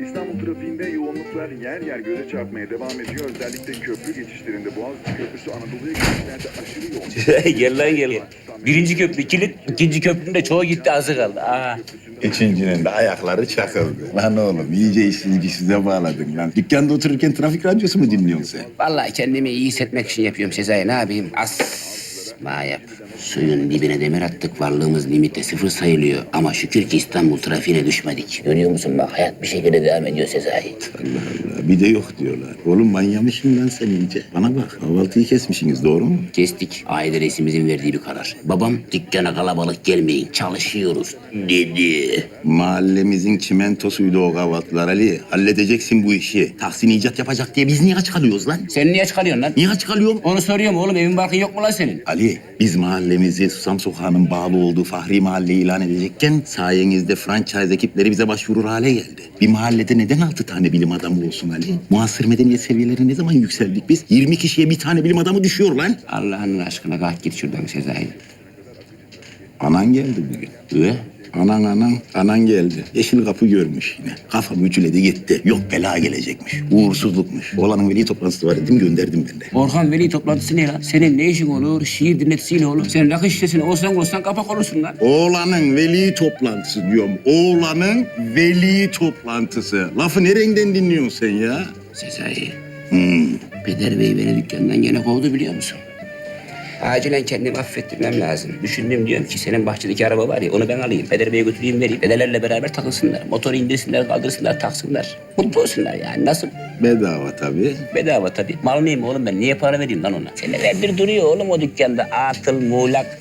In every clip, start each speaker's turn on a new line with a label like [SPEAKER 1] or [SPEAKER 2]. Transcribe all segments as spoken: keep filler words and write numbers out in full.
[SPEAKER 1] İstanbul trafiğinde yoğunluklar yer yer göze çarpmaya devam ediyor. Özellikle köprü geçişlerinde Boğaziçi Köprüsü Anadolu'ya geçişlerde aşırı yoğun.
[SPEAKER 2] Gel lan gel. Birinci köprü kilit, ikinci köprünün de çoğu gitti, azı kaldı. Aa.
[SPEAKER 3] Üçüncünün de ayakları çakıldı. Lan oğlum iyice işini size bağladın lan. Dükkanda otururken trafik radyosu mu dinliyorsun sen?
[SPEAKER 2] Vallahi kendimi iyi hissetmek için yapıyorum Sezai. Ne yapayım? As ma yap. Suyun dibine demir attık. Varlığımız limitte sıfır sayılıyor. Ama şükür ki İstanbul trafiğine düşmedik. Görüyor musun bak, hayat bir şekilde devam ediyor Sezai.
[SPEAKER 3] Allah Allah bir de yok diyorlar. Oğlum manyamışsın lan sen iyice. Bana bak kahvaltıyı kesmişsiniz doğru mu?
[SPEAKER 2] Kestik. Aile reisimizin verdiği bir karar. Babam dükkana kalabalık gelmeyin, çalışıyoruz dedi.
[SPEAKER 3] Mahallemizin çimentosuydu o kahvaltılar Ali. Halledeceksin bu işi. Tahsin icat yapacak diye biz niye aç kalıyoruz lan?
[SPEAKER 2] Sen niye çıkarıyorsun lan?
[SPEAKER 3] Niye aç kalıyorum?
[SPEAKER 2] Onu soruyorum oğlum. Evin barkın yok mu lan senin?
[SPEAKER 3] Ali, biz mahallemizi Susam Sokağı'nın bağlı olduğu Fahri Mahalle ilan edecekken sayenizde franchise ekipleri bize başvurur hale geldi. Bir mahallede neden altı tane bilim adamı olsun Ali? Muasır medeniyet seviyeleri ne zaman yükseldik biz? yirmi kişiye bir tane bilim adamı düşüyor lan.
[SPEAKER 2] Allah'ın aşkına kalk git şuradan Sezai.
[SPEAKER 3] Anan geldi bugün.
[SPEAKER 2] Ve?
[SPEAKER 3] Anan anan, anan geldi. Yeşil kapı görmüş yine. Kafam ütüledi gitti. Yok bela gelecekmiş. Uğursuzlukmuş. Oğlanın veli toplantısı var dedim gönderdim ben de.
[SPEAKER 2] Orhan veli toplantısı ne lan? Senin ne işin olur? Şiir dinletisiyle oğlum. Sen rakı şişesini olsan olsan kapak olursun lan.
[SPEAKER 3] Oğlanın veli toplantısı diyorum. Oğlanın veli toplantısı. Lafı nereden dinliyorsun sen ya?
[SPEAKER 2] Sezai,
[SPEAKER 3] Hmm.
[SPEAKER 2] Peder Bey beni dükkandan gene kovdu biliyor musun? Acilen kendimi affettirmem lazım. Düşündüm diyorum ki senin bahçedeki araba var ya onu ben alayım. Peder Bey'e götüreyim vereyim. Dedelerle beraber takılsınlar. Motoru indirsinler, kaldırsınlar, taksınlar. Mutlu olsunlar yani. Nasıl?
[SPEAKER 3] Bedava tabii.
[SPEAKER 2] Bedava tabii. Mal mıyım oğlum ben? Niye para vereyim lan ona? Senelerdir duruyor oğlum o dükkanda. Atıl, muğlak.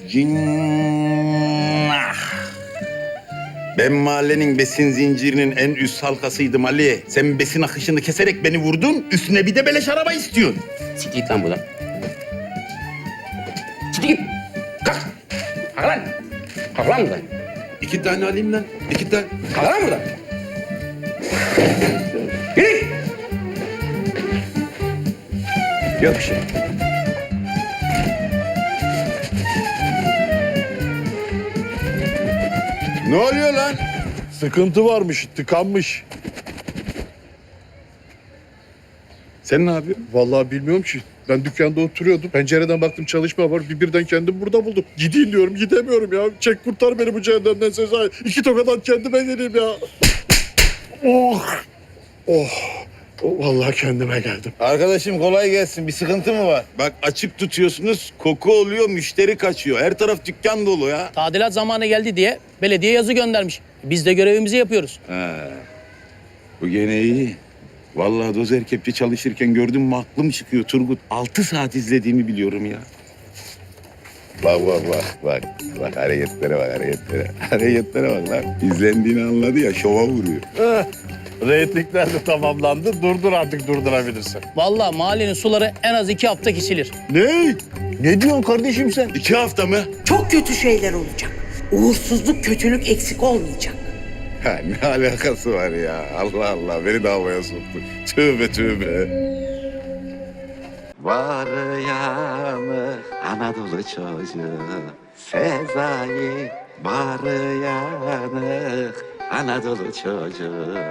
[SPEAKER 3] Cinnah. Ben mahallenin besin zincirinin en üst halkasıydım Ali. Sen besin akışını keserek beni vurdun. Üstüne bir de beleş araba istiyorsun.
[SPEAKER 2] Siktir git lan buradan. Siktir git. Kalk. Kalk lan. Kalk lan buradan.
[SPEAKER 3] İki tane alayım lan. İki tane.
[SPEAKER 2] Kalk lan buradan. Yürü. Yok bir şey.
[SPEAKER 3] Ne oluyor lan?
[SPEAKER 4] Sıkıntı varmış, tıkanmış.
[SPEAKER 3] Sen ne yapıyorsun?
[SPEAKER 4] Vallahi bilmiyorum ki. Ben dükkanda oturuyordum. Pencereden baktım çalışma var. Bir birden kendimi burada buldum. Gideyim diyorum, gidemiyorum ya. Çek kurtar beni bu cehennemden Sezai. İki tokadan kendime geleyim ya. Oh! Oh! Oh, vallahi kendime geldim.
[SPEAKER 3] Arkadaşım kolay gelsin. Bir sıkıntı mı var? Bak açık tutuyorsunuz. Koku oluyor, müşteri kaçıyor. Her taraf dükkan dolu ya.
[SPEAKER 5] Tadilat zamanı geldi diye belediye yazı göndermiş. Biz de görevimizi yapıyoruz.
[SPEAKER 3] He. Bu gene iyi. Vallahi dozer kepçe çalışırken gördüm mü aklım çıkıyor Turgut. Altı saat izlediğimi biliyorum ya. Bak bak bak bak. Bak hareketlere bak hareketlere. Hareketlere bak lan. İzlendiğini anladı ya şova vuruyor.
[SPEAKER 4] Reytingler de tamamlandı. Durdur artık durdurabilirsin.
[SPEAKER 5] Vallahi mahallenin suları en az iki hafta kesilir.
[SPEAKER 4] Ne? Ne diyorsun kardeşim sen?
[SPEAKER 3] İki hafta mı?
[SPEAKER 6] Çok kötü şeyler olacak. Uğursuzluk, kötülük eksik olmayacak.
[SPEAKER 3] Ha, ne alakası var ya? Allah Allah beni de havaya soktu. Tövbe tövbe. Var yanı Anadolu çocuğu Sezai. Var yanı Anadolu çocuğu.